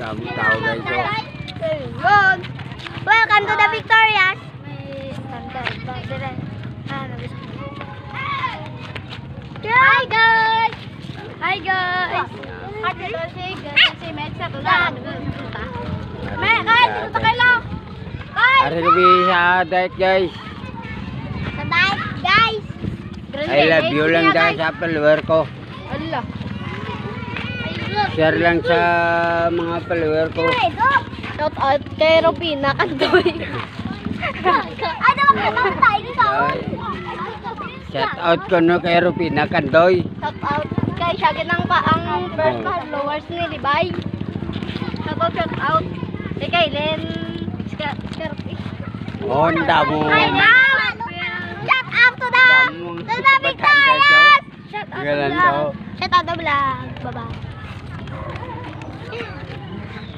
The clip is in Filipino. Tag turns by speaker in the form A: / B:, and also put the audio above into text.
A: daming tao guys.
B: Good. Welcome to the Victorias. Hi guys! Hi guys!
A: Hari kami sa diet guys.
B: Sa diet guys!
A: I love you lang dahil sa follower ko.
B: Allah!
A: Share lang sa mga follower ko.
B: Shout out kay Robina Kandoy. Ano ba tayo dito?
A: Shout out ko no kay Rupina Kandoy.
B: Shout out kay Shaggy ng ang first followers ni Libay. Shout out kay Kailen Scarpi.
A: Honda mo.
B: Shout out to the Victorias. Shout out to the vlog. Bye bye.